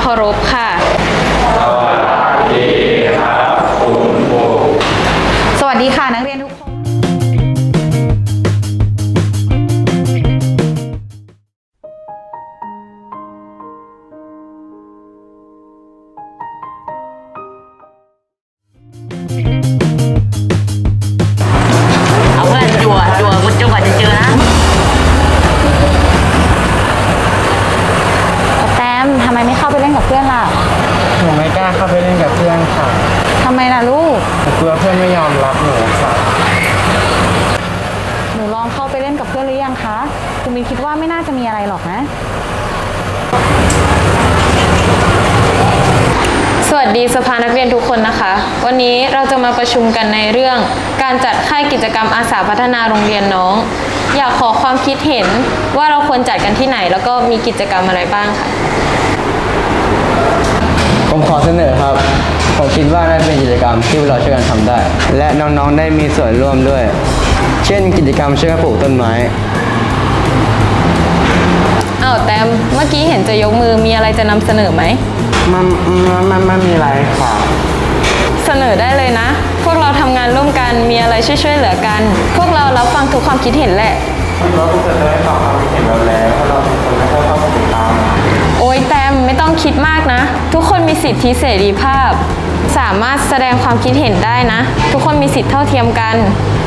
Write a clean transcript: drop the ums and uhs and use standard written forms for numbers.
ารพค่ะสวัสดีครับคุณครูสวัสดีค่ะนักเรียนทุกคนเอาเพื่อนจั่วจนกว่าจะเจอนะแต้มทำไมไม่เข้าไปเล่นกับเพื่อนล่ะหนูไม่กล้าเข้าไปเล่นกับเพื่อนค่ะทำไมล่ะลูกกลัวเพื่อนไม่ยอมรับหนูค่ะหนูลองเข้าไปเล่นกับเพื่อนหรือยังคะคุณมินคิดว่าไม่น่าจะมีอะไรหรอกนะ สวัสดีสภานักเรียนทุกคนนะคะ วันนี้เราจะมาประชุมกันในเรื่องการจัดค่ายกิจกรรมอาสาพัฒนาโรงเรียนน้อง อยากขอความคิดเห็นว่าเราควรจัดกันที่ไหนแล้วก็มีกิจกรรมอะไรบ้างค่ะผมขอเสนอครับ ผมคิดว่าน่าจะเป็นกิจกรรมที่เราช่วยกันทำได้ และน้องๆได้มีส่วนร่วมด้วย เช่นกิจกรรมช่วยกันปลูกต้นไม้อ้าวแต้มเมื่อกี้เห็นจะยกมือมีอะไรจะนำเสนอไหมมันมีอะไรค่ะเสนอได้เลยนะ พวกเราทำงานร่วมกันมีอะไรช่วยเหลือกัน พวกเรารับฟังทุกความคิดเห็นแหละเราจะได้ฟังความคิดเห็นเราแล้วเพราะเราเป็นคนไม่ค่อยเข้ากิจกรรมโอ้ยแต้มไม่ต้องคิดมากนะ ทุกคนมีสิทธิเสรีภาพ สามารถแสดงความคิดเห็นได้นะ ทุกคนมีสิทธิเท่าเทียมกัน